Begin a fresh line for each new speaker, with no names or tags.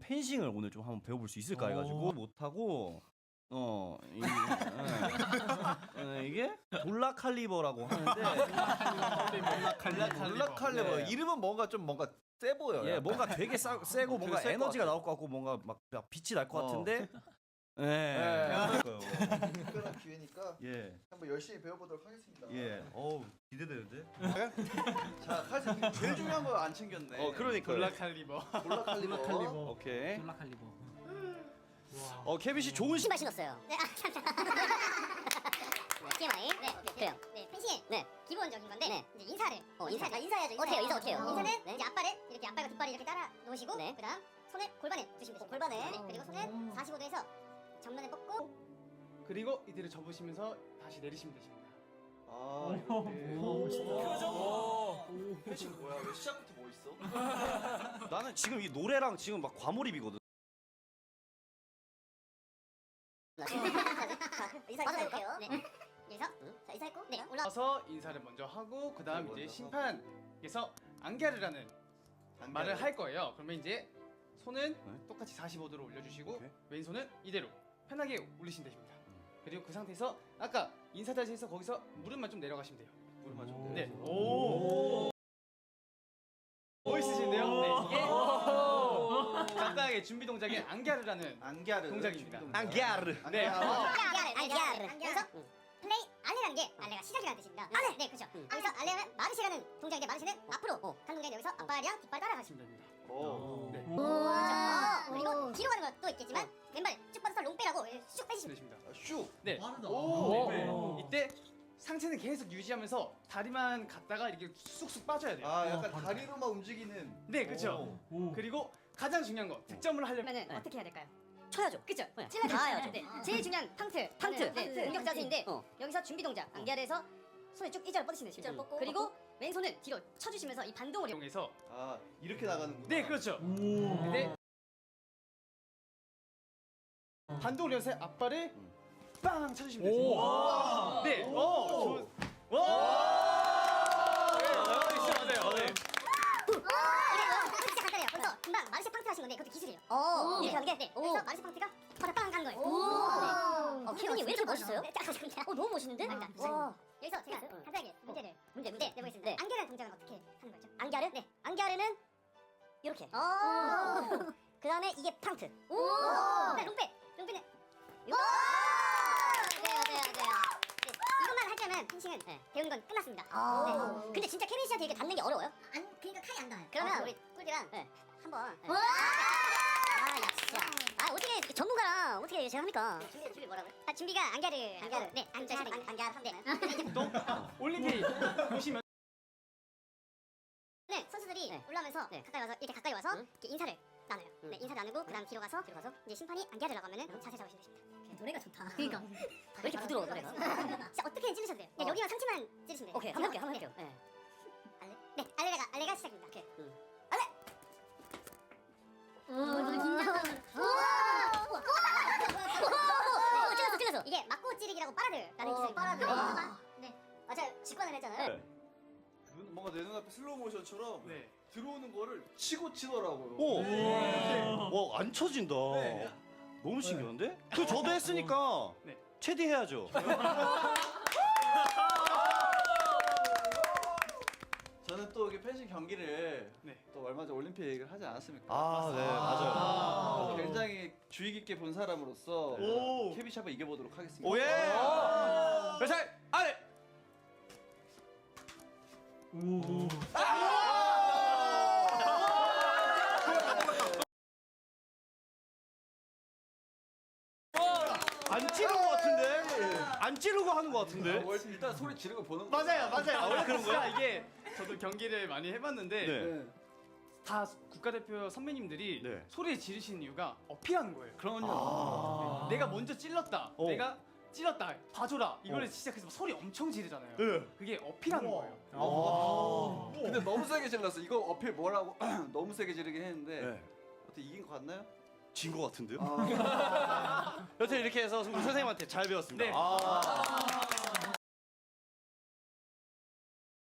펜싱을 오늘 좀 한번 배워볼 수 있을까 해가지고 못하고 이게 돌라 칼리버라고 하는데
돌라 칼리버 이름은 뭔가 세 보여요.
예, 뭔가 되게 세고 뭔가
셀것
에너지가
같아요.
나올 것 같고 뭔가 막 빛이 날 것 같은데 예.
특별한 기회니까
예.
한번 열심히 배워보도록 하겠습니다.
예. 어우, 기대되는데?
자, 칼 제일 중요한 거 안 챙겼네.
그러니까.
돌라 칼리버.
돌라 칼리버.
오케이.
돌라 칼리버.
케빈 씨 좋은
신발 신었어요. 네, TMI. 네, 그래요. 네, 펜싱의 기본적인 건데 이제 인사를. 인사해야죠. 어떻게 해요? 인사는 이제 앞발을 이렇게 앞발과 뒷발을 이렇게 따라 놓으시고 그다음 손을 골반에 두시면 되죠. 골반에. 그리고 손을 45도에서 정면에 뻗고
그리고 이대로 접으시면서 다시 내리시면 되십니다.
아, 이렇게. 펜싱 뭐야? 왜 시작부터 뭐 있어?
나는 지금 이 노래랑 지금 막 과몰입이거든.
인사해볼게요. 네. 여기서 자 인사했고 올라.
와서 인사를 먼저 하고 그다음 이제 심판께서 안갸르라는 말을 할 거예요. 그러면 이제 손은 똑같이 45도로 올려주시고
오케이.
왼손은 이대로 편하게 올리시면 됩니다. 그리고 그 상태에서 아까 인사 자세에서 거기서 무릎만 좀 내려가시면 돼요.
무릎만 좀
네.
내려서.
오. 멋있으신데요? 네. 이게 간단하게 준비 동작인 안갸르라는
안갸르
동작입니다.
안갸르.
네.
안갸르. 여기서 플레이 알레라는 게 알레가 시작이라는 뜻입니다. 알레. 네, 그렇죠. 여기서 알레는 마르시라는 동작인데 마르시는 앞으로 간 동작인데 여기서 앞발이랑 뒷발 따라가시면
됩니다.
오.
네.
그리고 뒤로 가는 것도 있겠지만 왼발 쭉 뻗어서 롱빼라고 쭉 빼시면
됩니다.
슉.
네.
빠르다.
이때 상체는 계속 유지하면서 다리만 갔다가 이렇게 쑥쑥 빠져야 돼요.
아, 약간 다리로만 움직이는.
네, 그렇죠. 그리고 가장 중요한 거 득점을 하려면
어떻게 해야 될까요?
쳐야죠.
그쵸?
찔러야죠.
네. 제일 중요한 팡트. 네, 공격 자세인데 여기서 준비 동작. 안갸르에서 손을 쭉 일자로 뻗으시면 되십니다.
일자로 뻗고,
그리고 왼손은 뒤로 쳐주시면서 이 반동을
이용해서
아, 이렇게 나가는구나.
네, 그렇죠. 근데 반동을 이용해서 앞발을 빵 쳐주시면 되십니다. 네, 좋은. 와! 네, 맞아요. 네.
진짜 간단해요. 그래서 금방 마르시 팡트 하신 건데 그것도 기술이에요. 이렇게 하는 게 그래서 마르시 팡트가 바닥 간 거예요. 케빈이 왜 이렇게 멋있어요? 너무 멋있는데? 여기서 제가 간단하게 문제를 내보겠습니다. 안갸르 동작은 어떻게 하는 거죠? 안갸르? 네. 안갸르는 이렇게. 그 다음에 이게 팡트. 롱빼는 맞아요. 네, 이것만 할 때면 펜싱은 배우는 건 끝났습니다. 네. 근데 진짜 케빈 씨한테 이렇게 닿는 게 어려워요? 그러니까 칼이 안 닿아요. 그러면 우리 꿀디랑 한번. 어떻게 전문가랑 어떻게 제가 합니까? 준비 뭐라고요? 준비가 안갸르. 네, 안갸르. 네.
보통 올림픽 보시면
네, 선수들이 올라오면서 가까이 와서 이렇게 인사를 나눠요. 네, 인사를 나누고 그다음 뒤로 가서 이제 심판이 안갸르라고 하면은 자세 잡으시면 되십니다. 노래가 좋다. 그러니까 왜 이렇게 부드러워 노래가? 진짜 어떻게 찌르셔도 돼요. 그냥 여기만 상체만 찌르시면 돼요. 오케이, 한번 해볼게요. 네, 알레가 시작입니다. 오케이. 알레. 찔렀어. 이게 맞고 찌르기라고 빠라들라는 기술입니다. 네, 맞아요. 직관을 했잖아요.
뭔가 내 눈앞에 슬로우 모션처럼
네.
들어오는 거를 치고 치더라고요.
와, 안 쳐진다.
네.
너무 신기한데? 저도 했으니까
네.
체디 해야죠.
저는 또 이게 펜싱 경기를
네.
또 얼마 전 올림픽을 하지 않았습니까?
네, 맞아요.
굉장히 주의 깊게 본 사람으로서 케비샵을 이겨보도록 하겠습니다.
오예!
잘 아래.
안 찌르는 것 같은데? 안 찌르고 하는 것 같은데?
일단 소리 지르고 보는 거.
맞아요.
원래 그런 거야?
이게 저도 경기를 많이 해봤는데
네.
다 국가대표 선배님들이
네.
소리 지르시는 이유가 어필하는 거예요.
그럼요.
내가 먼저 찔렀다. 내가 찔렀다. 봐줘라. 이거를 시작해서 소리 엄청 지르잖아요.
네.
그게 어필하는 거예요.
근데 너무 세게 질렀어. 이거 어필 뭐라고 너무 세게 지르긴 했는데
네.
어떻게 이긴 거 같나요?
진 것 같은데요?
아.
여튼 이렇게 해서 우리 선생님한테 잘 배웠습니다.
네.